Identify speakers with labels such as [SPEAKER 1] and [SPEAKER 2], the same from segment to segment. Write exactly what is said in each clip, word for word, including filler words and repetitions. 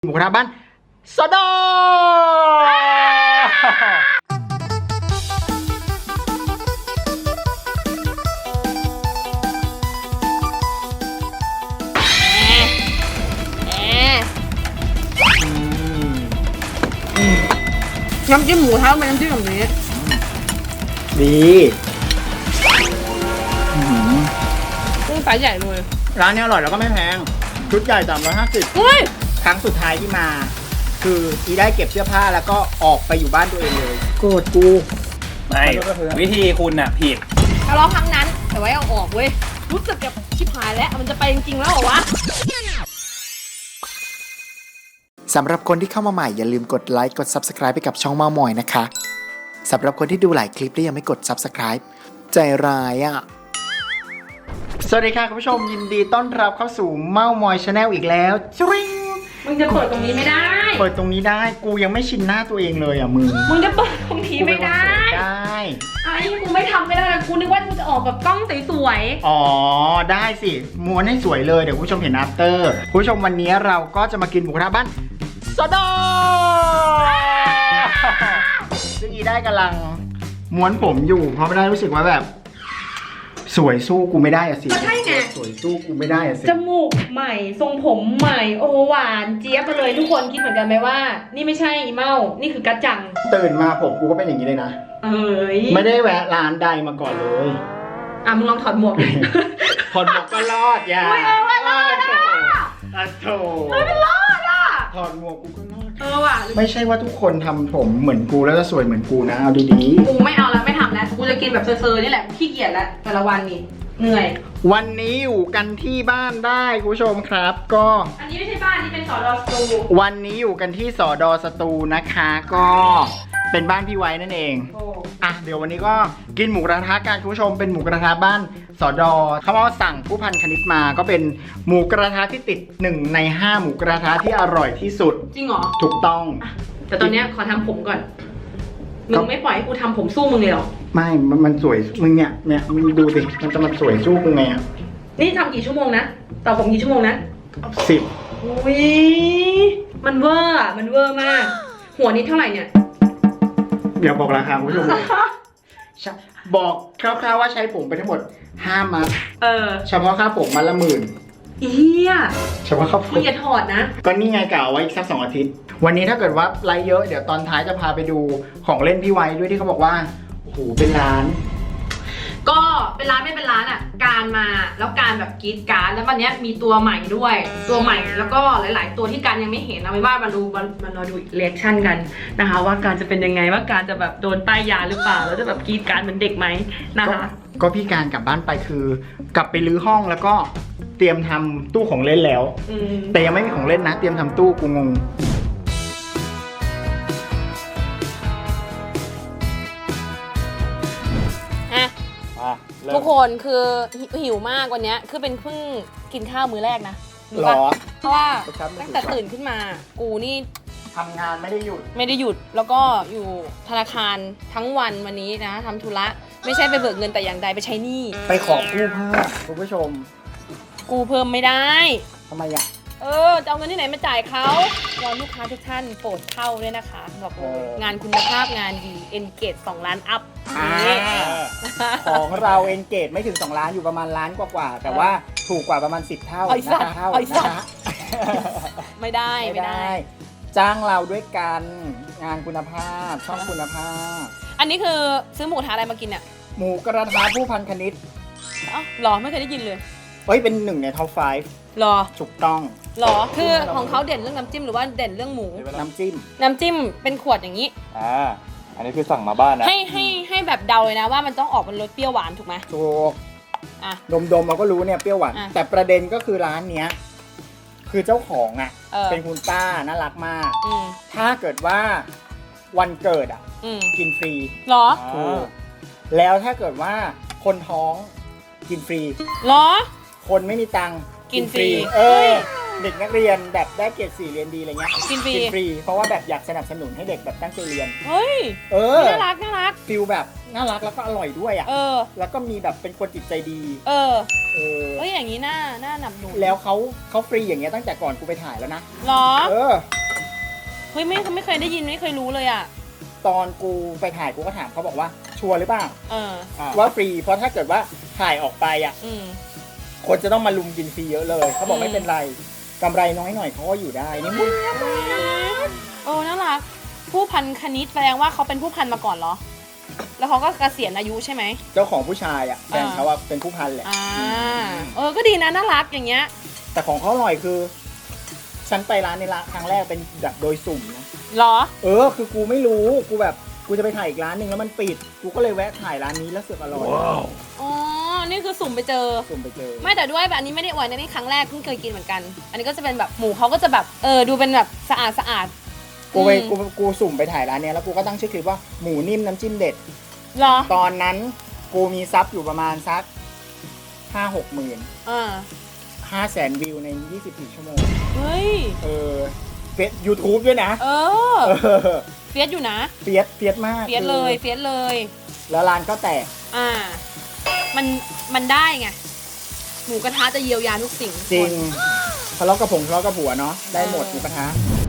[SPEAKER 1] หมูกระทะบ้านสดอ
[SPEAKER 2] น้ำจิ้มหมูเท้าเป็นน้ำจิ้มแบบนี้
[SPEAKER 1] ดี
[SPEAKER 2] กุ้งสายใหญ่เลย
[SPEAKER 1] ร้านนี้อร่อยแล้วก็ไม่แพงชุดใหญ่สามร้อยห้าสิบครั้งสุดท้ายที่มาคืออีได้เก็บเสื้อผ้าแล้วก็ออกไปอยู่บ้านตัวเองเลยโกรธกู
[SPEAKER 3] ไม่วิธีคุณน่ะผิด
[SPEAKER 2] ทะเลาะครั้งนั้นแต่ไว้เอาออกเว้ยรู้สึกแบบชิบหายแล้วมันจะไปจริงๆแล้วเหรอวะ
[SPEAKER 4] สำหรับคนที่เข้ามาใหม่อย่าลืมกดไลค์กด ซับสไครบ์ ไปกับช่องเมามอยนะคะสำหรับคนที่ดูหลายคลิปแล้วยังไม่กด ซับสไครบ์ ใจร้ายอ่ะ
[SPEAKER 1] สวัสดีค่ะคุณผู้ชมยินดีต้อนรับเข้าสู่เมามอยชาแนลอีกแล้วจริง
[SPEAKER 2] มึงจะเปิดตรงนี้ไม่ได้
[SPEAKER 1] เปิดตรงนี้ได้กูยังไม่ชินหน้าตัวเองเลยอ่ะมึง
[SPEAKER 2] มึงจะเปิดตรงนี้ไม่ได้
[SPEAKER 1] ได้
[SPEAKER 2] ไอ้กูไม่ทำไม่ได้กูนึกว่ากูจะออกแบบกล้องสวย
[SPEAKER 1] ๆอ๋อได้สิม้วนให้สวยเลยเดี๋ยวคุณผู้ชมเห็น after คุณผู้ชมวันนี้เราก็จะมากินหมูกระทะบ้านสดอซึ่งอีได้กำลังม้วนผมอยู่เพราะไม่ได้รู้สึกว่าแบบสวยสู้กูไม่ได้อะสิ
[SPEAKER 2] ใช่ไง
[SPEAKER 1] สวยสู้กูไม่ได้อะสิ
[SPEAKER 2] จมูกใหม่ทรงผมใหม่โอ้หวานเจี๊ยบมาเลยทุกคนคิดเหมือนกันไหมว่านี่ไม่ใช่อีเมานี่คือกัจจัง
[SPEAKER 1] ตื่นมาผมกูก็เป็นอย่างนี้เลยนะ
[SPEAKER 2] เอ้ย
[SPEAKER 1] ไม่ได้แวะร้านใดมาก่อนเลย
[SPEAKER 2] อ่ะมึงลองถอดหมวก
[SPEAKER 1] ถอดหมวกก็รอดอย่า
[SPEAKER 2] ไม่เอาว่ารอดอ่ะ
[SPEAKER 1] อ่ะโถ
[SPEAKER 2] ไม่รอดอ่ะ
[SPEAKER 1] ถอดหมวกกูก็รอด
[SPEAKER 2] เออว่ะ
[SPEAKER 1] ไม่ใช่ว่าทุกคนทำผมเหมือนกูแล้วจะสวยเหมือนกูนะเอาดี
[SPEAKER 2] ๆกูไม่เอาแล้วไม่ทำแล้วกูจะกินแบบเซอร์ๆนี่แหละขี้เกียจแล้วแต่ละวันนี่เหนื่อย
[SPEAKER 1] วันนี้อยู่กันที่บ้านได้คุณผู้ชมครับก็
[SPEAKER 2] อันนี้ไม่ใช่บ้านนี่เป็นสอดอสตู
[SPEAKER 1] วันนี้อยู่กันที่สอดอสตูนะคะก็เป็นบ้านพี่ไว้นั่นเองอ่ะเดี๋ยววันนี้ก็กินหมูกระทะกันคุณผู้ชมเป็นหมูกระทะบ้านสอดอเขาบอกสั่งผู้พันคณิตมาก็เป็นหมูกระทะที่ติดหนึ่งในห้าหมูกระทะที่อร่อยที่สุด
[SPEAKER 2] จริงเหรอ
[SPEAKER 1] ถูกต้อง
[SPEAKER 2] แต่ตอนนี้ขอทำผมก่อนมึงไม่ปล่อยให้กูทำผมสู้มึงเลยหรอ
[SPEAKER 1] ไม่มันมันสวยมึงเนี่ยเนี่ยมึงดูสิมันจะมาสวยสู้กูไงอ่ะ
[SPEAKER 2] นี่ทำกี่ชั่วโมงนะต่อผมกี่ชั่วโมงนะ
[SPEAKER 1] สิบ
[SPEAKER 2] อุ้ยมันเวอร์อ่ะมันเวอร์มากหัวนี้เท่าไหร่เนี่ย
[SPEAKER 1] เดี๋ยวบอกราคาคุณผู้ชมบอกคร่าวๆว่าใช้ผมไปทั้งหมดห้ามัด
[SPEAKER 2] เออ
[SPEAKER 1] เฉพาะค่าผมมัดละหมื่น
[SPEAKER 2] เฮีย
[SPEAKER 1] เฉพาะค่าผม
[SPEAKER 2] มึงอย่าถอดนะ
[SPEAKER 1] ก็นี่ไงกล่าวไว้อีกสักสองอาทิตย์วันนี้ถ้าเกิดว่าไลฟ์เยอะเดี๋ยวตอนท้ายจะพาไปดูของเล่นพี่ไว้ด้วยที่เขาบอกว่าโอ้โหเป็นร้าน
[SPEAKER 2] ก็เป็นร้านไม่เป็นร้านอ่ะการมาแล้วการแบบกรีดการแล้ววันนี้มีตัวใหม่ด้วยตัวใหม่แล้วก็หลายๆตัวที่การยังไม่เห็นเอาไว้ว่ามาดูมารอดูเรีแอคชั่นกันนะคะว่าการจะเป็นยังไงว่าการจะแบบโดนป้ายยาหรือเปล่าแล้วจะแบบกรีดการเหมือนเด็กไหมนะคะ
[SPEAKER 1] ก็พี่การกลับบ้านไปคือกลับไปรื้อห้องแล้วก็เตรียมทำตู้ของเล่นแล้วแต่ยังไม่มีของเล่นนะเตรียมทำตู้กูงง
[SPEAKER 2] ทุกคนคือหิวมากวันนี้คือเป็นเพิ่งกินข้าวมื้อแรกนะ
[SPEAKER 1] หรอ
[SPEAKER 2] เพราะว่าตั้งแต่ตื่นขึ้นมากูนี่
[SPEAKER 1] ทำงานไม่ได้หยุด
[SPEAKER 2] ไม่ได้หยุดแล้วก็อยู่ธนาคารทั้งวันวันนี้นะทำธุระไม่ใช่ไปเบิกเงินแต่อย่างใดไปใช้หนี้
[SPEAKER 1] ไปขอกู้เพิ่มคุณผู้ชม
[SPEAKER 2] กู้เพิ่มไม่ได้
[SPEAKER 1] ทำไมอ่ะ
[SPEAKER 2] เออจะเอาเงินที่ไหนมาจ่ายเขาวอนลูกค้าทุกท่านโปรดเข้าด้วยนะคะบอกเลยงานคุณภาพงานดีเอ็นเกจสองล้านอัพ
[SPEAKER 1] ของเราเอ็นเกจไม่ถึงสองล้านอยู่ประมาณล้านกว่าๆแต่ว่าถูกกว่าประมาณสิบเท่า
[SPEAKER 2] นะคะเท่านะคะไม่ได้ไม่ได้
[SPEAKER 1] จ้างเราด้วยกันงานคุณภาพช่องคุณภาพ
[SPEAKER 2] อันนี้คือซื้อหมูกระทะอะไรมากินเนี่ย
[SPEAKER 1] หมูกระทะผู้พันคณิต
[SPEAKER 2] อ๋อหรอไม่เคยได้ยินเลย
[SPEAKER 1] เฮ้ยเป็นหนึ่งในท็อปไฟว์
[SPEAKER 2] หรอ
[SPEAKER 1] ถูกต้อง
[SPEAKER 2] หรอคือของเขาเด่นเรื่องน้ำจิ้มหรือว่าเด่นเรื่องหมู
[SPEAKER 1] น้ำจิ้ม
[SPEAKER 2] น้ำจิ้มเป็นขวดอย่างนี้
[SPEAKER 3] อ่าอันนี้คือสั่งมาบ้านนะ
[SPEAKER 2] ให้ให้ให้แบบเดาเลยนะว่ามันต้องออกเป็นรสเปรี้ยวหวานถูกไหม
[SPEAKER 1] ถูกอ่ะดมดมเราก็รู้เนี่ยเปรี้ยวหวานแต่ประเด็นก็คือร้านเนี้ยคือเจ้าของอ่ะเป็นคุณป้าน่ารักมากถ้าเกิดว่าวันเกิดอ่ะกินฟรี
[SPEAKER 2] หรอ
[SPEAKER 1] ถูกแล้วถ้าเกิดว่าคนท้องกินฟรี
[SPEAKER 2] หรอ
[SPEAKER 1] คนไม่มีตังค์
[SPEAKER 2] กินฟรี
[SPEAKER 1] เออเด็กนักเรียนแบบได้เกรดสี่เรียนดีอะไรเงี้ย
[SPEAKER 2] กินฟรี
[SPEAKER 1] กินฟรีเพราะว่าแบบอยากสนับสนุนให้เด็กแบบตั้งใจเรียน
[SPEAKER 2] เฮ้ย
[SPEAKER 1] เออ
[SPEAKER 2] น่ารักน่ารัก
[SPEAKER 1] ฟิลแบบน่ารักแล้วก็อร่อยด้วยอ่ะ
[SPEAKER 2] เออ
[SPEAKER 1] แล้วก็มีแบบเป็นคนจิตใจดี
[SPEAKER 2] เออ
[SPEAKER 1] เออ
[SPEAKER 2] เฮ้ยอย่างนี้น่าน่าหนับหนุน
[SPEAKER 1] แล้วเขาเขาฟรีอย่างเงี้ยตั้งแต่ก่อนกูไปถ่ายแล้วนะ
[SPEAKER 2] หรอ
[SPEAKER 1] เออ
[SPEAKER 2] เฮ้ยไม่ไม่เคยได้ยินไม่เคยรู้เลยอ่ะ
[SPEAKER 1] ตอนกูไปถ่ายกูก็ถามเขาบอกว่าชัวร์หรือเปล่า
[SPEAKER 2] เออ
[SPEAKER 1] ว่าฟรีเพราะถ้าเกิดว่าถ่ายออกไปอ่ะ
[SPEAKER 2] อืม
[SPEAKER 1] คนจะต้องมาลุมกินฟรีเยอะเลยเขาบอก
[SPEAKER 2] อืม
[SPEAKER 1] ไม่เป็นไรกำไรน้อยหน่อยเขาก็อยู่ได้นี่มึง
[SPEAKER 2] โอ้น่ารัก ผู้พันคณิตแสดงว่าเขาเป็นผู้พันมาก่อนเหรอ แล้วเขาก็เกษียณอายุใช่ไหม
[SPEAKER 1] เจ้าของผู้ชายอ่ะแฟน
[SPEAKER 2] อ่า
[SPEAKER 1] เขาว่าเป็นผู้พันแหละ
[SPEAKER 2] อ่า เออ ก็ดีนะน่ารักอย่างเงี้ย
[SPEAKER 1] แต่ของเขาอร่อยคือ ฉันไปร้านในร้านครั้งแรกเป็นแบบโดยสุ่มนะ
[SPEAKER 2] เหรอ
[SPEAKER 1] เออคือกูไม่รู้กูแบบกูจะไปถ่ายอีกร้านหนึ่งแล้วมันปิดกูก็เลยแวะถ่ายร้านนี้แล้วเสือกอร่อย
[SPEAKER 2] อ๋อ นี่คือสุ่มไปเจอ
[SPEAKER 1] สุ่มไปเจอ
[SPEAKER 2] ไม่แต่ด้วยแบบอันนี้ไม่ได้อวยนะนี่ครั้งแรกเพิ่งเคยกินเหมือนกัน อันนี้ก็จะเป็นแบบหมูเขาก็จะแบบเออดูเป็นแบบสะอาดสะอาด
[SPEAKER 1] กูไป
[SPEAKER 2] อืม
[SPEAKER 1] กูกูสุ่มไปถ่ายร้านเนี้ยแล้วกูก็ตั้งชื่อคลิปว่าหมูนิ่มน้ำจิ้มเด็ด
[SPEAKER 2] เหรอ
[SPEAKER 1] ตอนนั้นกูมีซับอยู่ประมาณสักห้าหกหมื่น
[SPEAKER 2] อ่า
[SPEAKER 1] ห้าแสนวิวในยี่สิบสี่ชั่วโมง
[SPEAKER 2] เฮ้ย
[SPEAKER 1] เออเฟซยูทูบด้วยนะ
[SPEAKER 2] เออ
[SPEAKER 1] เออ
[SPEAKER 2] เฟียสอยู่นะ
[SPEAKER 1] เฟียสเฟียสมาก
[SPEAKER 2] เฟียสเลย เฟียสเลย
[SPEAKER 1] แล้วร้านก็แตก
[SPEAKER 2] อ่า มัน มันได้ไง หมูกระทะจะเยียวยาทุกสิ่ง
[SPEAKER 1] จริงทะเลาะกับผงทะเลาะกับผัวเนาะได้หมดหมูกระทะ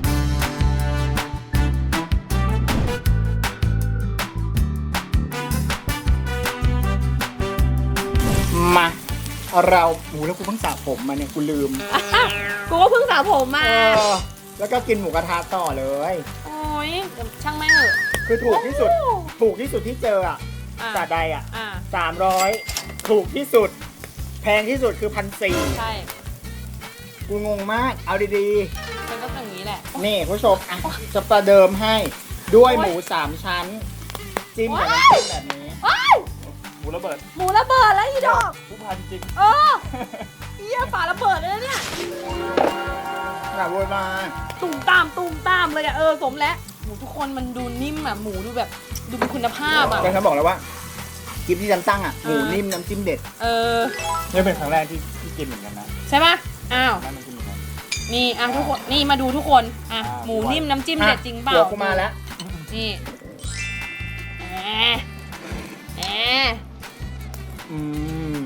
[SPEAKER 1] มาเราหมูแล้วกูเพิ่งสระผมมาเนี่ยกูลืม
[SPEAKER 2] กูก็เพิ่งสระผมมา
[SPEAKER 1] เออแล้วก็กินหมูกระทะต่อเลย
[SPEAKER 2] โอ้ยเดี๋ยวช่างไม่งเหอะ
[SPEAKER 1] คือถูกที่สุด ถูกที่สุดที่เจออ่ะ
[SPEAKER 2] อ่า
[SPEAKER 1] จากใดอ่ะ
[SPEAKER 2] อ่า
[SPEAKER 1] สามร้อยถูกที่สุด แพงที่สุดคือพันสี่
[SPEAKER 2] ใช่
[SPEAKER 1] กูงงมาก เอาดี
[SPEAKER 2] มันก็อย่างนี้แหละ
[SPEAKER 1] ๆ นี่ผู้ชมอ่ะจะประเดิมให้ด้วยหมูสามชั้น จิ้มกับน้ำจิ้มแบบนี้
[SPEAKER 3] หมูระเบิด
[SPEAKER 2] หมูระเบิดแล้วอีดอก
[SPEAKER 3] ผู้พันจริง
[SPEAKER 2] เออเฮียฝาระเบิดเลยนะเนี่ย
[SPEAKER 1] แบบโวยมา
[SPEAKER 2] ตุ่มตามตุ่มตามเลยอะเออสมแล้วหมูทุกคนมันดูนิ่มอะหมูดูแบบดูมีคุณภาพอะ
[SPEAKER 1] ก็ฉันบอกแล้วว่าคลิปที่ฉันตั้งอ่ะห
[SPEAKER 2] เอ
[SPEAKER 1] มู
[SPEAKER 2] อ
[SPEAKER 1] นิ่มน้ำจิ้มเด็ด
[SPEAKER 2] เออ
[SPEAKER 3] นี่เป็นครั้งแรกที่ที่กินเหมือนกันนะ
[SPEAKER 2] ใช่ปะอ้าว
[SPEAKER 3] นั่นมันกินเหมือนกัน
[SPEAKER 2] นี่อ่ะทุกคนนี่มาดูทุกคนอ่ะ
[SPEAKER 3] อ่า
[SPEAKER 2] หมูนิ่มน้ำจิ้มเด็ดจริงเปล่า
[SPEAKER 1] หัวกูมาแล้ว
[SPEAKER 2] นี่แหมแหม
[SPEAKER 1] อืม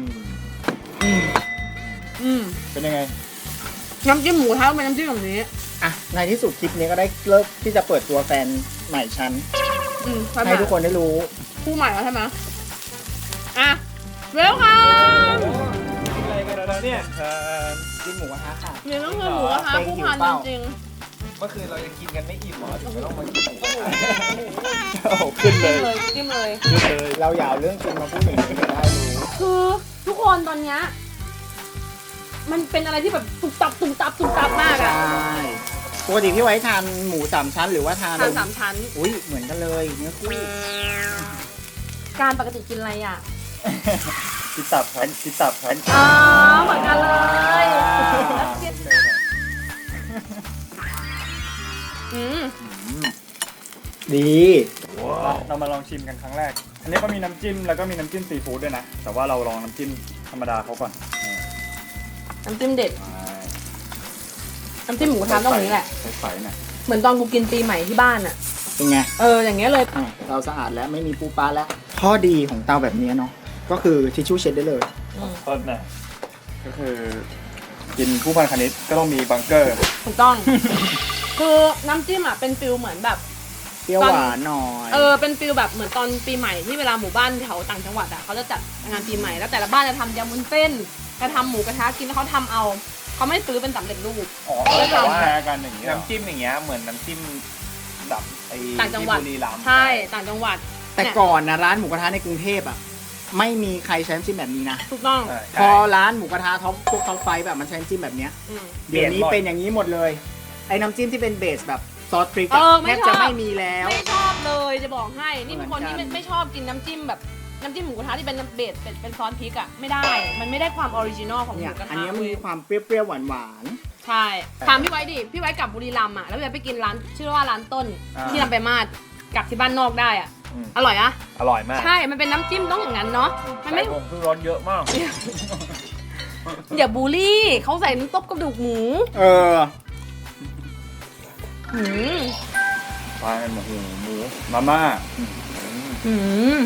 [SPEAKER 2] อืม
[SPEAKER 3] เป็นยังไง
[SPEAKER 2] น้ำจิ้มหมูเท้าเป็นน้ำจิ้มแบบนี้
[SPEAKER 1] อ่ะในที่สุดคลิปนี้ก็ได้เลิกที่จะเปิดตัวแฟนใหม่ฉัน
[SPEAKER 2] อืม
[SPEAKER 1] ให้ทุกคนได้รู้
[SPEAKER 2] คู่ใหม่แล้วใช่ไหมอ่ะเร็วค่ะ
[SPEAKER 3] กินอะไรกันแล้วเนี่ย
[SPEAKER 1] กินหมูกระทะค่ะ
[SPEAKER 2] เดี๋ยวต้องเจอหมูกระทะคู่พันจริง
[SPEAKER 3] เมื่อคืนเรายังกินกันไม่อิ่มหรอถึงไม่ต้องมากินหมู
[SPEAKER 1] โอ้โหขึ้น
[SPEAKER 2] ๆ
[SPEAKER 1] เล
[SPEAKER 2] จิ้ม
[SPEAKER 1] ย
[SPEAKER 2] เลยจิ้มเลย
[SPEAKER 3] เลย
[SPEAKER 1] เราอย่าเอาเรื่องจริงมาพูดอย่างนี้จะได้รู้
[SPEAKER 2] คือทุกคนตอนเนี้ยมันเป็นอะไรที่แบบตุบตับตุบตับตุบตับมาก
[SPEAKER 1] ใช่
[SPEAKER 2] อะ
[SPEAKER 1] ปกติพี่ไว้ทานหมูสามชั้นหรือว่าทาน
[SPEAKER 2] ทานสามชั้น
[SPEAKER 1] อุ้ยเหมือนกันเลยเนื้อคู่
[SPEAKER 2] การปกติกินอะไรอ่ะ
[SPEAKER 3] กินตับครับกินตับครับ
[SPEAKER 2] อ๋อเหมือนกันเลยอืม
[SPEAKER 1] ดี
[SPEAKER 3] เรามาลองชิมกันครั้งแรก อันนี้ก็มีน้ำจิ้มแล้วก็มีน้ำจิ้มซีฟู้ดด้วยนะ แต่ว่าเราลองน้ำจิ้มธรรมดาเขาก่อน
[SPEAKER 2] น้ำจิ้มเด็ด น้ำจิ้มหมูกระทะต้องอย่างนี้แหละ
[SPEAKER 3] ใสๆหน่อย
[SPEAKER 2] เหมือนตอนกูกินปีใหม่ที่บ้านอ่ะ
[SPEAKER 1] เป็นไง
[SPEAKER 2] เออ อย่างเงี้ยเลย
[SPEAKER 1] อ่ะเราสะอาดแล้วไม่มีปูปลาแล้ว ข้อดีของเตาแบบนี้เนาะก็คือทิชชู่เช็ดได้เลย
[SPEAKER 3] ต้นน่ะก็คือ กินผู้พันคณิตก็ต้องมีบังเกอร์
[SPEAKER 2] ถูกต้อง คือน้ำจิ้มอ่ะเป็นฟิลเหมือนแบบ
[SPEAKER 1] เปรี้ยวหวานหน่อย
[SPEAKER 2] เออ เป็นฟิลแบบเหมือนตอนปีใหม่ที่เวลาหมู่บ้านแถวต่างจังหวัดอ่ะเขาจะจัดงานปีใหม่แล้วแต่ละบ้านจะทำยำวุ้นเส้นจะทำหมูกระทะกินแล้วเขาทำเอาเขาไม่ซื้อเป็นสำเร็จรูป
[SPEAKER 3] อ๋อแต่ว่ากันอย่างเงี้ยน้ำจิ้มอย่างเงี้ยเหมือนน้ำจิ้มแบบไอ้
[SPEAKER 2] ต่างจังหวัด
[SPEAKER 3] ที่บุรีรัมย์
[SPEAKER 2] ใช่ต่างจังหวัด
[SPEAKER 1] แต่ก่อนนะร้านหมูกระทะในกรุงเทพอ่ะไม่มีใครใช้น้ำจิ้มแบบนี้นะ
[SPEAKER 2] ถูกต้อง
[SPEAKER 3] ใช่
[SPEAKER 1] พอร้านหมูกระทะท็อปพวกท็อปไฟแบบมันใช้น้ำจิ้มแบบเนี้ย
[SPEAKER 2] อืม
[SPEAKER 1] เดี๋ยวนี้เป็นอย่างนี้หมดเลย ไอ้น้ำจิ้มที่เป็นเบสแบบซอสพริก
[SPEAKER 2] เอ
[SPEAKER 1] อะ
[SPEAKER 2] อไม่
[SPEAKER 1] แทบ
[SPEAKER 2] ชอบ
[SPEAKER 1] จะไม่มีแล้ว
[SPEAKER 2] ไม่ชอบเลยจะบอกให้ นี่เป็นคนที่
[SPEAKER 1] เหมื
[SPEAKER 2] ไม่
[SPEAKER 1] อนกัน
[SPEAKER 2] ไม่ชอบกินน้ำจิ้มแบบน้ำจิ้มหมูกระทะที่เป็นเบสเป็นเป็นซอสพริกอ่ะไม่ได้ มันไม่ได้ความออริจินอลของห
[SPEAKER 1] เนี่
[SPEAKER 2] มู
[SPEAKER 1] ย
[SPEAKER 2] กระ
[SPEAKER 1] อัน
[SPEAKER 2] ทะ
[SPEAKER 1] นี้มัน
[SPEAKER 2] เว้ย
[SPEAKER 1] มีความเปรี้ยวๆหวาน
[SPEAKER 2] ใช่ถามพี่ไว้ดิพี่ไว้กลับบุรีรัมย์อ่ะแล้วพี่ไว้ไปกินร้านชื่อว่าร้านต้นที่ลำไปางมาศกลับที่บ้านนอกได้อ่ะ
[SPEAKER 3] อืม
[SPEAKER 2] อร่อยอะ
[SPEAKER 3] อร่อยมาก
[SPEAKER 2] ใช่ มันเป็นน้ำจิ้มต้องอย่างนั้นเนาะมัน
[SPEAKER 3] ใส่
[SPEAKER 2] ไม่
[SPEAKER 3] ผงชูรสเยอะมาก
[SPEAKER 2] อย่าบูลลี่เขาใส่น้ำต้มกระดูกหมู
[SPEAKER 1] เออ
[SPEAKER 2] หืม
[SPEAKER 3] ปลาหมูหมูมาม่า
[SPEAKER 2] หืม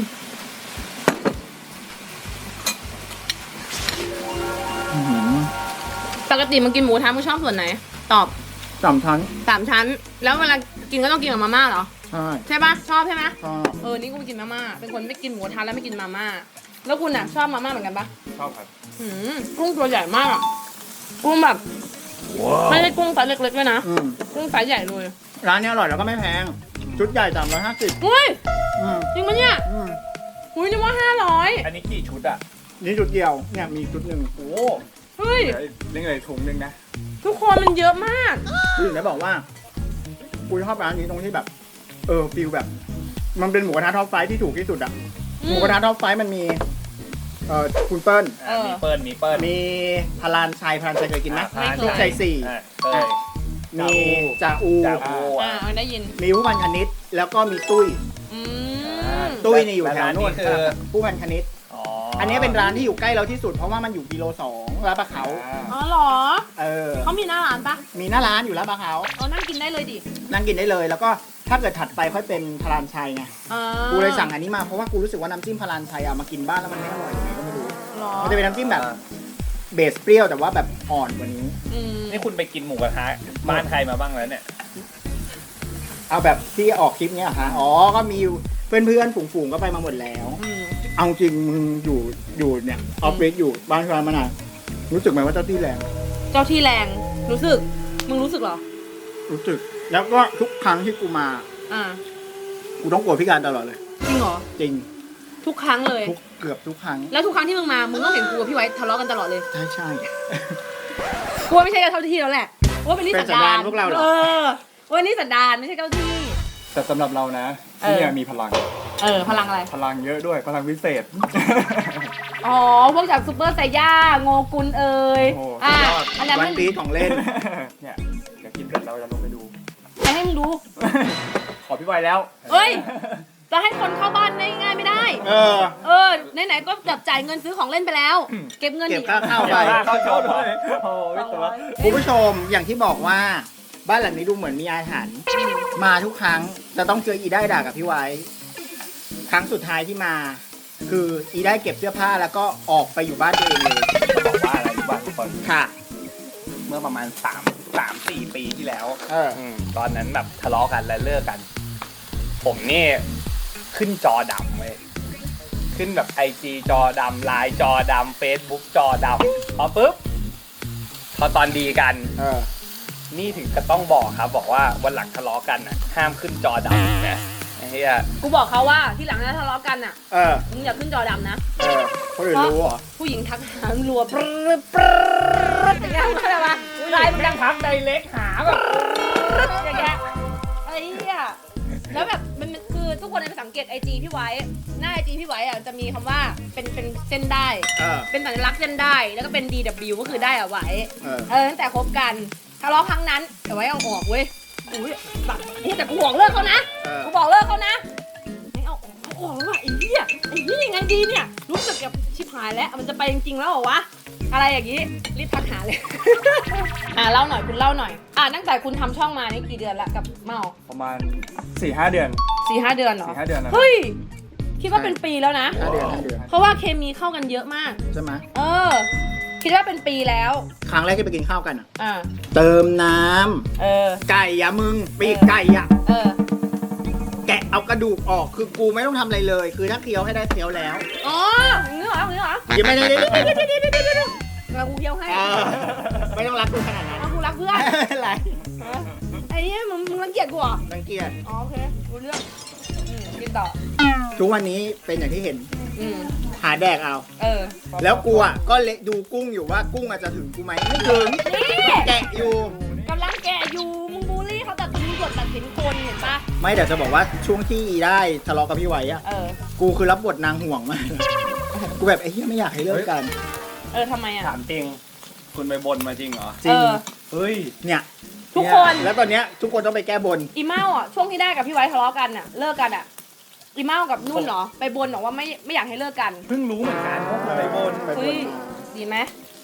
[SPEAKER 1] อื้อหือ
[SPEAKER 2] ปกติมันกินหมูกระทะมึงชอบส่วนไหน ตอบ
[SPEAKER 1] สามชั้น
[SPEAKER 2] สามชั้น แล้วเวลากินก็ต้องกินกับมาม่าเหรอ
[SPEAKER 1] ใช่
[SPEAKER 2] ใช่ปะชอบใช่ไหม
[SPEAKER 1] ชอบ
[SPEAKER 2] เออ นี่กูกินมาม่า เป็นคนไม่กินหมูกระทะแล้วไม่กินมาม่า แล้วคุณอ่ะชอบมาม่าเหมือนกันปะ
[SPEAKER 3] ชอบครับ
[SPEAKER 2] หืมกุ้งตัวใหญ่มากอะกุ้งแบบไม่ใช่กุ้งไซส์เล็กๆด้วยนะ
[SPEAKER 1] อืม
[SPEAKER 2] กุ้งไซส์ใหญ่เลย
[SPEAKER 1] ร้านนี้อร่อยแล้วก็ไม่แพง ชุดใหญ่สามร้อยห้าสิบ
[SPEAKER 2] อุ้ย
[SPEAKER 1] อืม
[SPEAKER 2] จริงปะเนี่ย
[SPEAKER 1] อืม
[SPEAKER 2] อุ้ยนึกว่าห้าร้อย
[SPEAKER 3] อันนี้กี่ชุดอ่ะ
[SPEAKER 1] นี่ชุดเดียว เนี่ยมีชุดหนึ่ง
[SPEAKER 3] โอ้
[SPEAKER 2] เฮ้ย
[SPEAKER 3] เหลือเหลือถุงหนึงนะ
[SPEAKER 2] ทุกคนมันเยอะมาก
[SPEAKER 1] คือถึงได้บอกว่ากูชอบร้านนี้ตรงที่แบบ เออฟิลแบบ มันเป็นหมูกระทะท็อปไฟว์ที่ถูกที่สุดอะ
[SPEAKER 2] อืม
[SPEAKER 1] หมูกระทะท็อปไฟว์มันมี เอ่อคุณเปิ้ล
[SPEAKER 2] เออ
[SPEAKER 3] มีเปิ้ลมีเปิ้ล
[SPEAKER 1] มีพลานชัยพลานชัยเคยกินไหม
[SPEAKER 3] อ่า
[SPEAKER 1] ลูกชัยสี่
[SPEAKER 3] อ่าเต้ย
[SPEAKER 1] มีจ่าอู
[SPEAKER 3] จ่าอู
[SPEAKER 2] อ่าได้ยิน
[SPEAKER 1] มีผู้พันคณิตแล้วก็มีตุ้ย
[SPEAKER 2] อืม
[SPEAKER 1] ตุ้ยนี่อยู่แถวนู่น
[SPEAKER 3] และร้านนี้คือ
[SPEAKER 1] ผู้พันคณิต
[SPEAKER 3] อ๋อ
[SPEAKER 1] อั
[SPEAKER 3] อั
[SPEAKER 1] นนี้เป็นร้านที่อยู่ใกล้เราที่สุดเพราะว่ามันอยู่กิโลสองลาดปะเขา
[SPEAKER 2] อ๋อเหรอ
[SPEAKER 1] เออ
[SPEAKER 2] เขามีหน้าร้านปะ
[SPEAKER 1] มีหน้าร้านอยู่ลาดปะเขา
[SPEAKER 2] เออนั่งกินได้เลยดิ
[SPEAKER 1] นั่งกินได้เลย แล้วก็ถ้าเกิดถัดไปค่อยเป็นพลานชัยไง
[SPEAKER 2] อ่า
[SPEAKER 1] กูเลยสั่งอันนี้มาเพราะว่ากูรู้สึกว่าน้ำจิ้มพลานชัยเอามากินบ้านแล้วมันไม่อร่อยยังไงก็ไม่รู้
[SPEAKER 2] หรอ
[SPEAKER 1] มันจะเป็นน้ำจิ้มแบบเบสเปรี้ยวแต่ว่าแบบอ่อนกว่านี้
[SPEAKER 2] อืม
[SPEAKER 3] นี่คุณไปกินหมูกระทะบ้านใครมาบ้างแล้วเนี่ย
[SPEAKER 1] เอาแบบที่ออกคลิปเนี้ยเหรอฮะอ๋อ ก็มีเพื่อนๆฝูงๆก็ไปมาหมดแล้ว
[SPEAKER 2] อืม
[SPEAKER 1] เอาจริงมึงอยู่อยู่เนี่ยออฟฟิศอยู่บ้านร้านมานานรู้สึกไหมว่าเจ้าที่แรง
[SPEAKER 2] เจ้าที่แรงรู้สึก มึงรู้สึกเหรอ
[SPEAKER 1] รู้สึก แล้วก็ทุกครั้งที่กูมา
[SPEAKER 2] อ่า
[SPEAKER 1] กูต้องกลัวพิการตลอดเลย
[SPEAKER 2] จริงเหรอ
[SPEAKER 1] จริง
[SPEAKER 2] ทุกครั้งเลย
[SPEAKER 1] ทุกเกือบทุกครั้ง
[SPEAKER 2] แล้วทุกครั้งที่มึงมา มึงต้องเห็นกูกับพี่ไว้ทะเลาะกันตลอดเลย
[SPEAKER 1] ใช่ใช่
[SPEAKER 2] กูว่าไม่ใช่เจ้าที่แล้วแหละกูว่าเป็นนิสัน
[SPEAKER 1] เป็นสัน
[SPEAKER 2] ดา
[SPEAKER 1] ดาน
[SPEAKER 2] น
[SPEAKER 1] พวกเราเหรอ
[SPEAKER 2] เออวันนี้สันดานไม่ใช่เจ้าที่
[SPEAKER 3] แต่สำหรับเรานะ
[SPEAKER 2] เออ
[SPEAKER 3] ที่เนี่ยมีพลัง
[SPEAKER 2] เออ พลังอะไร
[SPEAKER 3] พลังเยอะด้วย พลังวิเศษ
[SPEAKER 2] อ๋อ พวกจากซูเปอร์ไซย่า โงกุลเอ่ย
[SPEAKER 3] โอ้
[SPEAKER 2] อ่ะ
[SPEAKER 3] สุดยอด
[SPEAKER 2] อันนั้น
[SPEAKER 1] วั
[SPEAKER 2] มัน น
[SPEAKER 1] ปีของเล่น
[SPEAKER 3] เนี่ยเดี๋ยวกินเสร็จเราจะลงไปดู
[SPEAKER 2] ใครให้มึงดู
[SPEAKER 3] ขอพี่ไวแล้ว
[SPEAKER 2] เอ้ย จะให้คนเข้าบ้านได้ง่ายไม่ได้
[SPEAKER 1] เออ
[SPEAKER 2] เออ ไหนๆ ก็จับจ่ายเงินซื้อของเล่นไปแล้ว เก็บเงิน
[SPEAKER 1] เก็บ
[SPEAKER 2] อีก
[SPEAKER 1] ค่าเข้าไป
[SPEAKER 3] เข้าชมเลยโอ้ยตัว
[SPEAKER 1] คุณผู้ชมอย่างที่บอกว่า บ้านหลังนี้ดูเหมือนมีอาถรรพ์มาทุกครั้งจะต้องเจออีได้ด่ากับพี่ไว้ ครั้งสุดท้ายที่มา คืออีได้เก็บเสื้อผ้าแล้วก็ออกไปอยู่บ้านตัวเองเลย
[SPEAKER 3] จะบอกว่าอะไรรู้ป่ะทุกคน
[SPEAKER 1] ค่ะ
[SPEAKER 3] เมื่อประมาณสามสามสี่ปีที่แล้ว
[SPEAKER 1] เออ
[SPEAKER 3] อืมตอนนั้นแบบทะเลาะกันและเลิกกัน ผมนี่ขึ้นจอดำเว้ยขึ้นแบบไอจีจอดำไลน์จอดำเฟซบุ๊กจอดำพอปุ๊บพอตอนดีกัน
[SPEAKER 1] เออ
[SPEAKER 3] นี่ถึงก็ต้องบอกครับ บอกว่าวันหลังทะเลาะกันน่ะห้ามขึ้นจอดำนะไอ้เหี้ย
[SPEAKER 2] กูบอกเขาว่าที่หลังถ้าทะเลาะกันอ่ะ
[SPEAKER 1] เออ
[SPEAKER 2] มึงอย่าขึ้นจอดำนะ
[SPEAKER 1] เออคนอื่นรู้เหรอ
[SPEAKER 2] ผู้หญิงทักหารัวปรึ๊ดปรึ๊ดอย่างเงี้ยเข้าใจปะไลน์มันดัง
[SPEAKER 3] พักไดเล็กหาแบบ
[SPEAKER 2] อย่างเงี้ยไอ้เหี้ยแล้วแบบมันมันคือทุกคนไปสังเกตไอจีพี่ไว้ หน้าไอจีพี่ไว้อ่ะจะมีคำว่าเป็นเป็นเส้นได้
[SPEAKER 1] เออ
[SPEAKER 2] เป็นสัญลักษณ์เส้นได้ แล้วก็เป็น ดี ดับเบิลยู ก็คือได้อะไว้
[SPEAKER 1] เออ
[SPEAKER 2] เออตั้งแต่คบกันทะเลาะครั้งนั้นแต่ไว้เอาออกเว้ยอุ้ยแบบเฮ้ยแต่กูบอกเลิกเขานะ
[SPEAKER 1] เออ
[SPEAKER 2] กูบอกเลิกเขานะไม่เอาเอาออกแล้วว่ะไอ้เหี้ยไอ้เหี้ยยังไงดีเนี่ยรู้สึกแบบชิบหายแล้วมันจะไปจริงๆแล้วเหรอวะอะไรอย่างงี้รีบทักหาเลย อ่าเล่าหน่อยคุณเล่าหน่อยอ่าตั้งแต่คุณทำช่องมานี่กี่เดือนละกับเมา
[SPEAKER 3] ประมาณสี่ห้าเดือน
[SPEAKER 2] สี่ห้าเดือนเหรอ
[SPEAKER 3] สี่ห้าเดือนนะ
[SPEAKER 2] เฮ้ยคิดว่าเป็นปีแล้วนะ
[SPEAKER 1] ห้าเดือนห้าเดือน
[SPEAKER 2] เพราะว่าเคมีเข้ากันเยอะมาก
[SPEAKER 1] ใช่ไหม
[SPEAKER 2] เออ คิดว่าเป็นปีแล้ว
[SPEAKER 1] ครั้งแรกที่ไปกินข้าวกันอ่ะ
[SPEAKER 2] อ่า
[SPEAKER 1] เติมน้ำ
[SPEAKER 2] เออ
[SPEAKER 1] ไก่อะมึงปีกไก่อะ
[SPEAKER 2] เออ
[SPEAKER 1] แกะเอากระดูกออกคือกูไม่ต้องทำอะไรเลย คือถ้าเคี้ยวให้ได้เคี้ยวแล้ว
[SPEAKER 2] อ๋ออย่างนี้เหรออย่างนี้เหรอ
[SPEAKER 1] ยังไม่ได้ได้
[SPEAKER 2] เรากูเที่ยวให้
[SPEAKER 1] เออไม่ต้องรักกูขนาดนั้น
[SPEAKER 2] เอากูรักเพื่อน
[SPEAKER 1] ไม่เป็นไร
[SPEAKER 2] ไอ้เนี่ยมึงมึงรังเกียจกูเหรอ
[SPEAKER 1] รังเกียจ
[SPEAKER 2] อ๋อโอเครู้เรื่องอืมกินต่อ
[SPEAKER 1] ทุกวันนี้เป็นอย่างที่เห็น
[SPEAKER 2] อืม
[SPEAKER 1] หาแดกเอา
[SPEAKER 2] เออ
[SPEAKER 1] แล้วกูอ่ะก็เละดูกุ้งอยู่ว่ากุ้งอาจจะถึงกูไหมไม่ถึง
[SPEAKER 2] นี่
[SPEAKER 1] แกะอยู่
[SPEAKER 2] กำลังแกะอยู่ มึงบูลลี่เขาแต่มึงกดตัดสินคนเห็นปะ
[SPEAKER 1] ไม่เดี๋ยวจะบอกว่าช่วงที่อีได้ทะเลาะกับพี่ไว้อะ
[SPEAKER 2] เออ
[SPEAKER 1] กูคือรับบทนางห่วงมากกูแบบไอ้เหี้ยไม่อยากให้เลิกกัน
[SPEAKER 2] เออทำไมอ่ะ
[SPEAKER 3] ถามจริง คุณไปบนมาจริงเหรอ
[SPEAKER 1] จริง
[SPEAKER 2] เออ
[SPEAKER 3] เฮ้ย
[SPEAKER 1] เนี่ย
[SPEAKER 2] ทุกคน
[SPEAKER 1] แล้วตอนเนี้ยทุกคนต้องไปแก้บน
[SPEAKER 2] อีเมาอ่ะ ช่วงที่ได้กับพี่ไว้ทะเลาะกันอ่ะ เลิกกันอ่ะ อีเมากับนุ่นเหรอ ไปบนบอกว่าไม่ไม่อยากให้เลิกกัน
[SPEAKER 3] เพิ่งรู้เหมือนกันว่าคุณไปบน
[SPEAKER 1] ไปบน
[SPEAKER 2] เฮ้ย ดีไหม
[SPEAKER 1] เ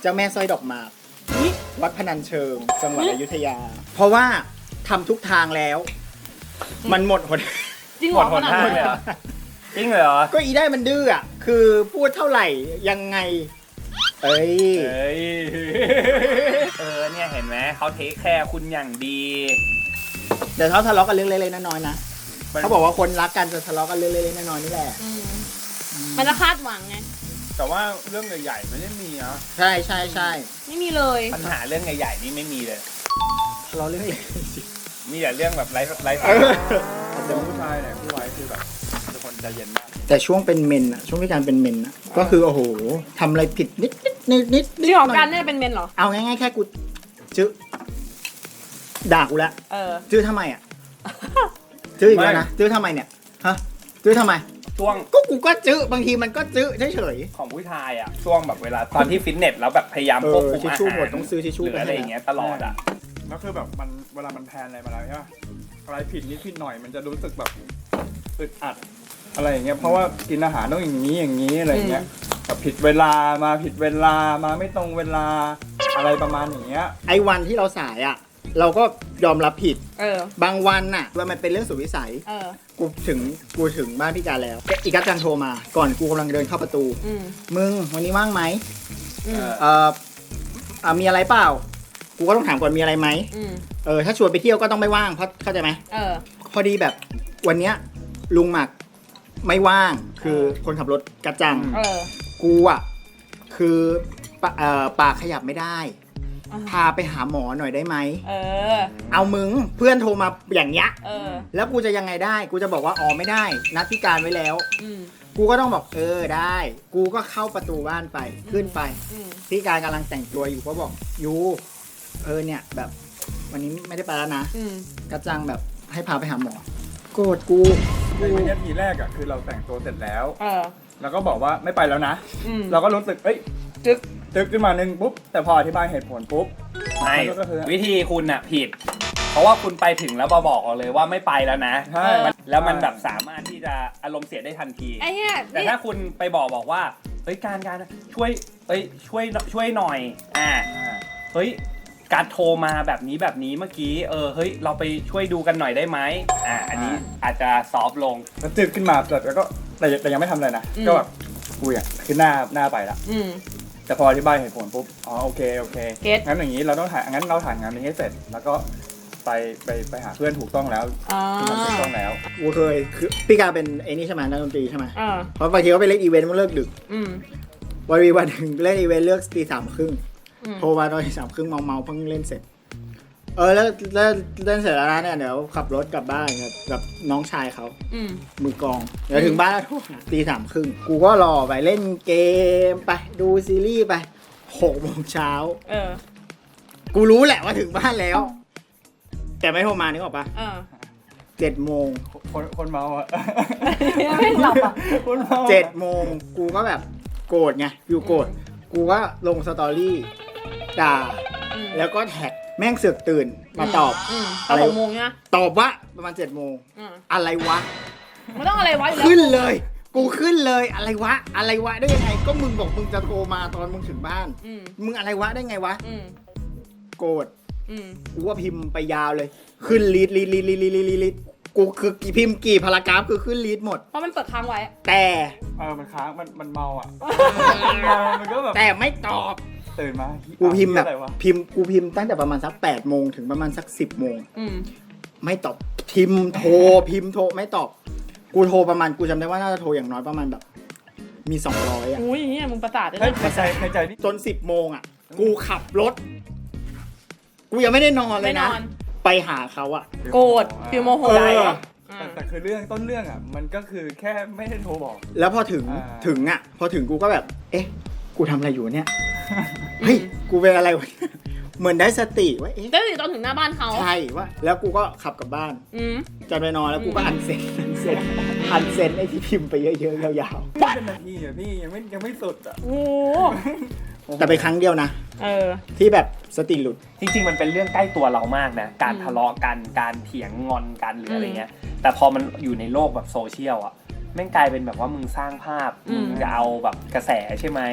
[SPEAKER 1] จ้าแม่สร้อยดอกหมากวัดพนัญเชิงจังหวัดอยุธยา เพราะว่าทำทุกทางแล้ว มันหมดหน
[SPEAKER 2] จริงเห
[SPEAKER 3] หม
[SPEAKER 2] ร
[SPEAKER 3] ด
[SPEAKER 2] อ
[SPEAKER 3] หนทางเลยเหรอจริงเลยเหรอ
[SPEAKER 1] ก็อีได้มันดื้ออ่ะคือพูดเท่าไหร่ยังไง เอ้ย
[SPEAKER 3] เอ้ยเออเนี่ยเห็นไหมเขาเทคแคร์คุณอย่างดี
[SPEAKER 1] เดี๋ยวเขาทะเลาะกันเรื่องเล็กๆน้อยๆนะ
[SPEAKER 3] มัน
[SPEAKER 1] เขาบอกว่าคนรักกันจะทะเลาะกันเรื่องเล็กๆน้อยๆนี่แหละ
[SPEAKER 2] อืมมันจะคาดหวังไง
[SPEAKER 3] แต่ว่าเรื่องใหญ่ๆไม่ได้มีนะ
[SPEAKER 1] ใช่ใช่ใช่
[SPEAKER 2] ไม่มีเลย
[SPEAKER 3] ปัญหาเรื่องใหญ่ๆนี่ไม่มีเลย
[SPEAKER 1] ทะเลาะเรื่องเล็กสิ
[SPEAKER 3] มีแต่เรื่องแบบไร้ไร้
[SPEAKER 1] เอ
[SPEAKER 3] สา
[SPEAKER 1] อ
[SPEAKER 3] ระแต่ผู้ชายเนี่ยผู้ไว้คือแบบเป็นคนใจเย็นมาก
[SPEAKER 1] แต่ช่วงเป็นเมนอะช่วงที่การเป็นเมนอะก็คือโอ้โหทำอะไรผิดนิดนิดนิดนิด
[SPEAKER 2] จริงเหรอกันเนี่ยเป็นเมนเหรอ
[SPEAKER 1] เอาง่ายๆแค่กูจื้อด่ากูละ
[SPEAKER 2] เออ
[SPEAKER 1] จื้อทำไมอะจื้ออีกแล้วนะจื้อทำไมเนี่ยฮะจื้อทำไม
[SPEAKER 3] ช่วง
[SPEAKER 1] ก็กูก็จื้อบางทีมันก็จื้อเฉย
[SPEAKER 3] ของผู้ชายอ่ะช่วงแบบเวลาตอนที่ฟิตเนสแล้วแบบพยายาม
[SPEAKER 1] เออ
[SPEAKER 3] ควบคุม
[SPEAKER 1] ทิช
[SPEAKER 3] อา
[SPEAKER 1] ชู่
[SPEAKER 3] หาร
[SPEAKER 1] หมดต้องซื้อทิชชู่
[SPEAKER 3] หรืออะไรอย่างเงี้ยตลอดอ่ะ
[SPEAKER 5] แล้วคือแบบมันเวลามันแพลนอะไรมาแล้วใช่ปะอะไรผิดนิดผิดหน่อยมันจะรู้สึกแบบอึดอัดอะไรอย่างเงี้ยเพราะว่ากินอาหารต้องอย่างนี้อย่างนี้อะไรอย่างเงี้ยแบบผิดเวลามาผิดเวลามาไม่ตรงเวลาอะไรประมาณอย่างเงี้ย
[SPEAKER 1] ๆไอ้วันที่เราสายอะเราก็ยอมรับผิด
[SPEAKER 2] เออ
[SPEAKER 1] บางวันน่ะว่ามันเป็นเรื่องสุดวิสัย
[SPEAKER 2] เออ
[SPEAKER 1] กูถึงกูถึงบ้านพี่การแล้วอีกัสจันโทรมา ก่อนกูกำลังเดินเข้าประตู
[SPEAKER 2] อืม
[SPEAKER 1] มึงวันนี้ว่างไหม
[SPEAKER 2] อืม
[SPEAKER 1] เอ่ออ่ะมีอะไรเปล่า กูก็ต้องถามก่อนมีอะไรไหม
[SPEAKER 2] อืม
[SPEAKER 1] เออถ้าชวนไปเที่ยวก็ต้องไม่ว่างเพราะเข้าใจไหม
[SPEAKER 2] เออ
[SPEAKER 1] พอดีแบบวันเนี้ยลุงหมักไม่ว่างคือคนขับรถกัจจัง
[SPEAKER 2] เออ
[SPEAKER 1] กูอ่ะคือปะเอ่อปากขยับไม่ได้
[SPEAKER 2] อ่า
[SPEAKER 1] พาไปหาหมอหน่อยได้ไหม
[SPEAKER 2] เออ
[SPEAKER 1] เอามึงเพื่อนโทรมาอย่างเงี้ย
[SPEAKER 2] เออ
[SPEAKER 1] แล้วกูจะยังไงได้ กูจะบอกว่าอ๋อไม่ได้ นัดพิการไว้แล้ว
[SPEAKER 2] อืม
[SPEAKER 1] กูก็ต้องบอกเออได้ กูก็เข้าประตูบ้านไปขึ้นไป
[SPEAKER 2] อืม
[SPEAKER 1] พี่การกำลังแต่งตัวอยู่ก็บอกยูเออเนี่ยแบบ วันนี้ไม่ได้ไปแล้วนะ
[SPEAKER 2] อืม
[SPEAKER 1] กระจังแบบให้พาไปหาหมอโกรธกู
[SPEAKER 5] ในวินาทีแรกอ่ะคือเราแต่งตัวเสร็จแล้ว
[SPEAKER 2] เออ
[SPEAKER 5] แล้วก็บอกว่าไม่ไปแล้วนะ
[SPEAKER 2] อืม
[SPEAKER 5] เราก็รู้สึกเอ้ย
[SPEAKER 2] จึ๊ก
[SPEAKER 5] ตึกขึ้นมาหนึ่งปุ๊บแต่พออธิบายเหตุผลปุ๊บ
[SPEAKER 3] ไม่
[SPEAKER 5] มันก็คือ
[SPEAKER 3] วิธีคุณอ่ะผิด เพราะว่าคุณไปถึงแล้วมาบอกเราเลยว่าไม่ไปแล้วนะ
[SPEAKER 5] ใช่
[SPEAKER 3] มันแล้วมันแบบสามารถที่จะอารมณ์เสียได้ทันที
[SPEAKER 2] ไอ้เนี่ย
[SPEAKER 3] แต่
[SPEAKER 2] นี่
[SPEAKER 3] ถ้าคุณไปบอกบอกว่าเฮ้ยการการช่วยเอ้ยช่วยช่วยหน่อยอ่า
[SPEAKER 5] อ่า
[SPEAKER 3] เฮ้ยการโทรมาแบบนี้แบบนี้เมื่อกี้เออเฮ้ยเราไปช่วยดูกันหน่อยได้ไหมอ่าอันนี้อาจจะซอฟต์ลง
[SPEAKER 5] แล้วตึกขึ้นมาแต่ก็แต่แต่ยังไม่ทำอะไรนะก็แบบกูอ่ะคือหน้าหน้าไปละ
[SPEAKER 2] อืม
[SPEAKER 5] แต่พออธิบายเหตุผลปุ๊บ อ๋อโอเคโอเค
[SPEAKER 2] เก็ต
[SPEAKER 5] งั้นอย่างนี้เราต้องถ่ายงั้นเราถ่ายงานนี้ให้เสร็จ แล้วก็ไปไปไปหาเพื่อนถูกต้องแล้ว
[SPEAKER 2] อ่า
[SPEAKER 5] ที่มันถูกต้องแล้ว
[SPEAKER 1] กูเคยคือพี่การเป็นไอ้นี่ใช่ไหมนักดนตรีใช่ไหม
[SPEAKER 2] อ่า
[SPEAKER 1] เพราะบางทีเขาไปเล่นอีเวนต์มันเลิกดึก
[SPEAKER 2] อืม
[SPEAKER 1] วันวีวันหนึ่งเล่นอีเวนต์เลิกตีสามครึ่ง
[SPEAKER 2] อืม
[SPEAKER 1] โทรมาตอนตีสามครึ่งเมาเมาๆเพิ่งเล่นเสร็จ เออแล้วแล้วเล่นเสร็จแล้วนะเนี่ยเดี๋ยวขับรถกลับบ้านกับกับน้องชายเขา
[SPEAKER 2] อืม
[SPEAKER 1] มือกลองเดี๋ยวถึงบ้านแล้วโทรหาตีสามครึ่งกูก็รอไปเล่นเกมไปดูซีรีส์ไปหกโมงเช้า
[SPEAKER 2] เออ
[SPEAKER 1] กูรู้แหละว่าถึงบ้านแล้ว แต่ไม่โทรมานึกออกปะ
[SPEAKER 2] เออ
[SPEAKER 1] เจ็ดโมง
[SPEAKER 5] คนคนเมาอ่ะ
[SPEAKER 2] ไม่หลับอ่ะ
[SPEAKER 5] คนเมา
[SPEAKER 1] เจ็ดโมงกูก็แบบโกรธไงอยู่โกรธกูก็ลงสตอรี่ด่า
[SPEAKER 2] อืม
[SPEAKER 1] แล้วก็แท็กแม่งเสือกตื่นมาตอบ
[SPEAKER 2] อืมต
[SPEAKER 1] อะ
[SPEAKER 2] อน
[SPEAKER 1] ไร
[SPEAKER 2] หกโมงเนี่ย
[SPEAKER 1] ตอบว่าประมาณเจ็ดโมง
[SPEAKER 2] อืม
[SPEAKER 1] อะไรวะ
[SPEAKER 2] ไม่ต้องอะไรวะอยู่แล้ว
[SPEAKER 1] ขึ้นเลย กูขึ้นเลยอะไรวะ อะไรวะได้ยังไง ก็มึงบอกมึงจะโทรมาตอนมึงถึงบ้าน
[SPEAKER 2] อืม
[SPEAKER 1] มึงอะไรวะได้ไงวะ
[SPEAKER 2] อืม
[SPEAKER 1] โกรธ
[SPEAKER 2] อืม
[SPEAKER 1] กูว่าพิมพ์ไปยาวเลย ขึ้นลีดลีดลีดลีดลีดลีดลีดกูคือกี่พิมพ์กี่พารากราฟคือขึ้นลีดหมด
[SPEAKER 2] เพราะมันเปิดค้างไว้
[SPEAKER 1] แต่
[SPEAKER 5] เออมันค้างมันมันเมาอ่ะมันเมามันก็แบบ
[SPEAKER 1] แต่ไม่ตอบ
[SPEAKER 5] ตื่นมา
[SPEAKER 1] กูพิมพ์แบบ
[SPEAKER 5] อะไรวะ
[SPEAKER 1] พิมพ์กูพิมพ์ตั้งแต่ประมาณสักแปดโมงถึงประมาณสักสิบโมง
[SPEAKER 2] อืม
[SPEAKER 1] ไม่ตอบ พิมพ์โทรพิมพ์โทรไม่ตอบ กูโทรประมาณกูจำได้ว่าน่าจะโทรอย่างน้อยประมาณแบบ มีสองร้อยอ่ะ
[SPEAKER 2] อุ้ยเนี่ยมึงประสาทเลย
[SPEAKER 5] เฮ้ย
[SPEAKER 2] นะ
[SPEAKER 5] ในใจในใจนี่
[SPEAKER 1] จนสิบโมงอ่ะ กูขับรถ กูยังไม่ได้นอนเล
[SPEAKER 2] ไม่
[SPEAKER 1] ย
[SPEAKER 2] น
[SPEAKER 1] นะ
[SPEAKER 2] อน
[SPEAKER 1] ไปหาเขาอ่ะ
[SPEAKER 2] โกรธฟิลโมโห
[SPEAKER 1] เออ
[SPEAKER 2] อ่ะ
[SPEAKER 5] แต่แต่คือเรื่องต้นเรื่องอ่ะ มันก็คือแค่ไม่ได้โทรบอก
[SPEAKER 1] แล้วพอถึง
[SPEAKER 5] อ่า
[SPEAKER 1] ถึงอ่ะ พอถึงกูก็แบบ เอ๊ะ กูทำอะไรอยู่เนี่ย เฮ้ย กูเป็นอะไรวะ เหมือนได้สติว่า เอ๊ะ
[SPEAKER 2] แต่ตอนถึงหน้าบ้านเขา
[SPEAKER 1] ใช่ว่า แล้วกูก็ขับกลับบ้าน
[SPEAKER 2] อืม
[SPEAKER 1] จะไปนอนแล้วกูก็อันเซ็นอันเซ็นอันเซ็นไอ้ที่พิมพ์ไปเยอะๆยาว
[SPEAKER 5] ไม่เป็นนาทีอ่ะพี่ยังไม่ยังไม่สุดอ่ะ
[SPEAKER 2] โอ้
[SPEAKER 1] ๆ แต่ไปนครั้งเดียวนะ
[SPEAKER 2] เออ
[SPEAKER 1] ที่แบบสติหลุด
[SPEAKER 3] จริงๆมันเป็นเรื่องใกล้ตัวเรามากนะการ
[SPEAKER 2] อืม
[SPEAKER 3] ทะเลาะกันการเถียงงอนกันหรืออะไร
[SPEAKER 2] อืม
[SPEAKER 3] เงี้ยแต่พอมันอยู่ในโลกแบบโซเชียลอ่ะแม่งกลายเป็นแบบว่ามึงสร้างภาพ
[SPEAKER 2] อืม
[SPEAKER 3] มึงจะเอาแบบกระแสใช่ไหม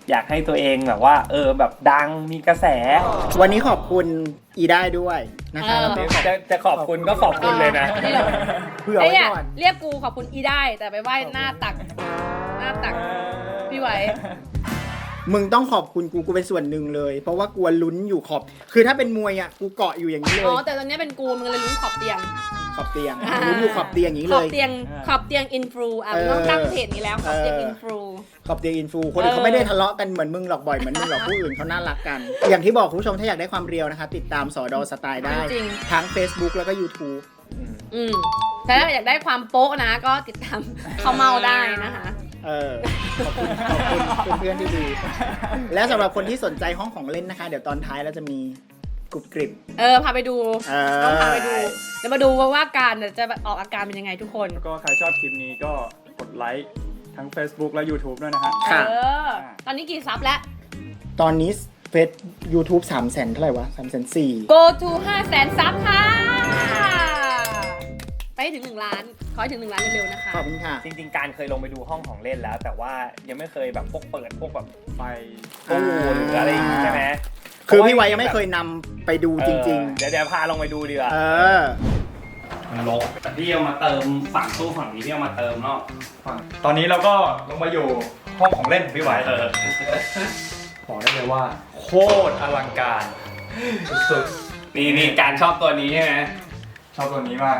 [SPEAKER 3] อยากให้ตัวเองแบบว่า เออแบบดังมีกระแส
[SPEAKER 1] วันนี้ขอบคุณอีได้ด้วยนะคะ
[SPEAKER 2] เออ
[SPEAKER 1] แล้วก็ขอบ
[SPEAKER 3] จะจะขอบคุณก็ขอบคุณเลยนะ
[SPEAKER 2] นี่เหรอ
[SPEAKER 1] เผื่อ
[SPEAKER 2] เอ้
[SPEAKER 1] ไว้
[SPEAKER 2] ย
[SPEAKER 1] ก่อน
[SPEAKER 2] เรียกกูขอบคุณอีได้ แต่ไปไหว้หน้าตัก หน้าตักพี่ไหว
[SPEAKER 1] มึงต้องขอบคุณกูกูเป็นส่วนหนึ่งเลย เพราะว่ากลัวลุ้นอยู่ขอบ คือถ้าเป็นมวยอ่ะกูเกาะอยู่อย่างนี้เล
[SPEAKER 2] อ๋อย แต่ตอนนี้เป็นกูมึงเลยลุ้นขอบเตียง
[SPEAKER 1] ขอบเตียงลุ้นอยู่ขอบเตียงอย่างนี้
[SPEAKER 2] ข
[SPEAKER 1] เล
[SPEAKER 2] อบ
[SPEAKER 1] ย
[SPEAKER 2] เตียงขอบเตียงอินฟลูอ่ะ
[SPEAKER 1] เออ
[SPEAKER 2] ต้องตั้งเพจนี้แล้วขอบเตียง
[SPEAKER 1] เอออิ
[SPEAKER 2] อินฟลู
[SPEAKER 1] ขอบเตียงอินฟูคนอื่นเขาไม่ได้ทะเลาะกันเหมือนมึงหรอกบ่อยเหมือนมึงหรอกผู้อื่นเขาน่ารักกัน อย่างที่บอกคุณผู้ชมถ้าอยากได้ความเรียวนะคะ ติดตามสอดอสไตล์ได้
[SPEAKER 2] จริง
[SPEAKER 1] ทั้ง Facebook แล้วก็ YouTube
[SPEAKER 2] อืมแต่ถ้าอยากได้ความโป๊ะนะ ก็ติดตามเขาเมาได้นะคะ
[SPEAKER 1] เออขอบคุณขอบคุณเพื่อนๆที่ดี และสำหรับคนที่สนใจห้องของเล่นนะคะ เดี๋ยวตอนท้ายเราจะมีกรุบกริบ
[SPEAKER 2] เออ พาไปดู
[SPEAKER 1] เออ
[SPEAKER 2] ต้องพาไปดู เดี๋ยวมาดูว่าการเนี่ยจะออกอาการเป็นยังไงทุกคน
[SPEAKER 5] แล้วก็ใครชอบคลิปนี้ก็กดไลค์ทั้ง Facebook และ YouTube ด้วยนะฮะ
[SPEAKER 1] ค่ะ
[SPEAKER 2] เออ ตอนนี้กี่ซับแล้ว
[SPEAKER 1] ตอนนี้เฟซ YouTube สามแสนเท่าไหร่วะสามแสนสี่
[SPEAKER 2] go to ห้าแสนซับค่ะ ไปให้ถึงหนึ่งล้าน ขอให้ถึงหนึ่งล้านเร็วๆนะคะ
[SPEAKER 1] ขอบคุณค่ะ
[SPEAKER 3] จริงๆ การเคยลงไปดูห้องของเล่นแล้ว แต่ว่ายังไม่เคยแบบพวกเปิดพวกแบบ
[SPEAKER 5] ไป
[SPEAKER 3] ตู้หรืออะไรอย่างงี้ใช่ไหม
[SPEAKER 1] คือพี่ไว้ยังไม่เคยนำไปดูจริง
[SPEAKER 3] เออเดี๋ยวเดี๋ยวพาลงไปดูดีกว่า
[SPEAKER 1] ๆ เออ
[SPEAKER 3] มันลกแต่พี่เอามาเติมฝั่งตู้ฝั่งนี้พี่เอามาเติมเนาะ
[SPEAKER 5] ตอนนี้เราก็ลงมาอยู่ห้องของเล่นของพี่ไหว
[SPEAKER 3] เออ
[SPEAKER 5] บอกได้เลยว่า โคตรอลังการสุด
[SPEAKER 3] นี่นี่การชอบตัวนี้ใช่ไหม
[SPEAKER 5] ๆชอบตัวนี้มาก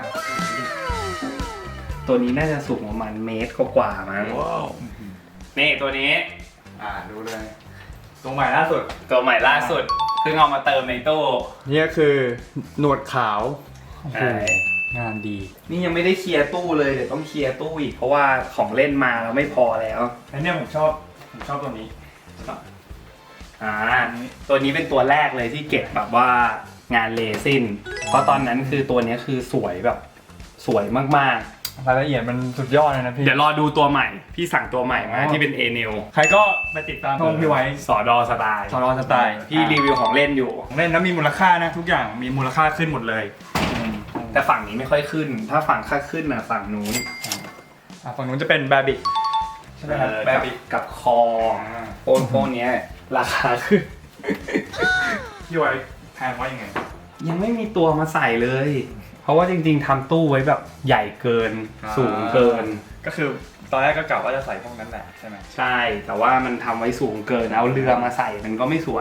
[SPEAKER 3] ตัวนี้น่าจะสูงประมาณเมตรกว่าๆมั้งนี่ตัวนี้
[SPEAKER 5] อ่าดูเลย ตัวใหม่ล่าสุด
[SPEAKER 3] ตัวใหม่ล่าสุดเพิ่งเอามาเติมในตู้
[SPEAKER 5] นี่ก็คือหนวดขาว
[SPEAKER 3] ใช่
[SPEAKER 5] งานดี
[SPEAKER 3] นี่ยังไม่ได้เคลียร์ตู้เลยเดี๋ยวต้องเคลียร์ตู้อีกเพราะว่าของเล่นมาแล้วไม่พอแล้ว
[SPEAKER 5] แล้วเนี่ยผมชอบผมชอบตัวนี้
[SPEAKER 3] อ่าตัวนี้เป็นตัวแรกเลยที่เก็บแบบว่างานเลซินเพราะตอนนั้นคือตัวนี้คือสวยแบบสวยมาก
[SPEAKER 5] รายละเอียดมันสุดยอดเลยนะ
[SPEAKER 3] ๆ
[SPEAKER 5] พี่
[SPEAKER 3] เดี๋ยวรอดูตัวใหม่พี่สั่งตัวใหม่มา
[SPEAKER 5] อ๋อ
[SPEAKER 3] ที่เป็นเอเนล
[SPEAKER 5] ใครก็ไปติดตามช่องพี่ไว้
[SPEAKER 3] สอดอสไตล์
[SPEAKER 5] สอนอสไตล์
[SPEAKER 3] พี่รีวิวของเล่นอยู่
[SPEAKER 5] ของเล่นแล้วมีมูลค่านะทุกอย่างมีมูลค่าขึ้นหมดเลย
[SPEAKER 3] แต่ฝั่งนี้ไม่ค่อยขึ้น ถ้าฝั่งค่าขึ้นน่ะฝั่งนู้น
[SPEAKER 5] อ่ะฝั่งนู้นจะเป็นแบบิกใช่ไหมครับ
[SPEAKER 3] เออ
[SPEAKER 5] แบ
[SPEAKER 3] กับ
[SPEAKER 5] บิก
[SPEAKER 3] กับคอโอนพวกเนี้ยราคาขึ้น
[SPEAKER 5] พี่ไว้แพงว่ายังไง
[SPEAKER 3] ยังไม่มีตัวมาใส่เลย เพราะว่าจริงๆทำตู้ไว้แบบใหญ่เกิน
[SPEAKER 5] อ่า
[SPEAKER 3] สูงเกิน
[SPEAKER 5] ก็คือตอนแรกก็กะว่าจะใส่พวกนั้นแหละใช่ไหม
[SPEAKER 3] ใช่ แต่ว่ามันทำไว้สูงเกิน เอาเรือมาใส่มันก็ไม่สวย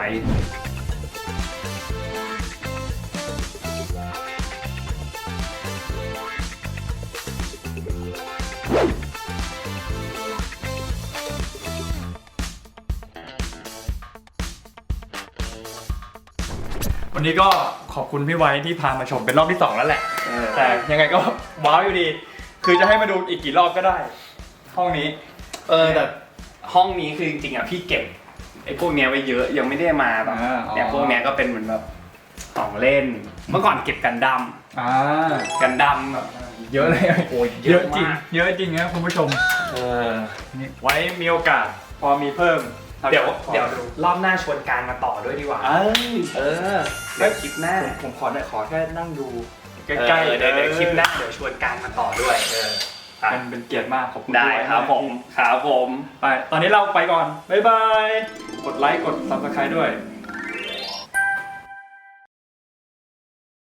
[SPEAKER 5] วันนี้ก็ขอบคุณพี่ไว้ที่พามาชมเป็นรอบที่สองแล้วแหละ
[SPEAKER 3] เออ
[SPEAKER 5] แต่ยังไงก็ว้าวอยู่ดี คือจะให้มาดูอีกกี่รอบก็ได้ ห้องนี้
[SPEAKER 3] เออแต่ห้องนี้คือจริงๆอ่ะพี่เก็บไอ้พวกเนี้ยไว้เยอะยังไม่ได้มาแบบ
[SPEAKER 5] อ่าอ๋อ
[SPEAKER 3] เนี่ยพวกเนี้ยก็เป็นเหมือนแบบของเล่น เมื่อก่อนเก็บกันดั้ม
[SPEAKER 5] อ่า
[SPEAKER 3] กันดั้มแบบ
[SPEAKER 5] เยอะเลย
[SPEAKER 3] โอ้ย
[SPEAKER 5] เยอะจริง
[SPEAKER 3] มาก
[SPEAKER 5] เยอะจริงนะคุณผู้ชม
[SPEAKER 3] เออ
[SPEAKER 5] นี่ไว้มีโอกาสพอมีเพิ่ม
[SPEAKER 3] เดี๋ยว
[SPEAKER 5] ขอ
[SPEAKER 3] เดี๋ยวรอบหน้าชวนการมาต่อด้วยดีกว่า
[SPEAKER 5] เอ้ย
[SPEAKER 3] เออเดี๋ยวคลิปหน้า
[SPEAKER 5] ผมผมขอหน่อยขอแค่นั่งดูใก
[SPEAKER 3] ใก
[SPEAKER 5] ล้
[SPEAKER 3] ล้
[SPEAKER 5] ๆ
[SPEAKER 3] เดี๋ยวเดี๋ยวคลิปหน้าเดี๋ยวชวนการมาต่อด้วยเอออ่ะ
[SPEAKER 5] เป็นเป็นเกียรติมากขอบคุณ
[SPEAKER 3] ได้
[SPEAKER 5] พี่ว้
[SPEAKER 3] ครับผมครับผม
[SPEAKER 5] ไป ตอนนี้เราไปก่อน บ๊ายบาย กดไลค์ กด ซับสไครต์ด้วย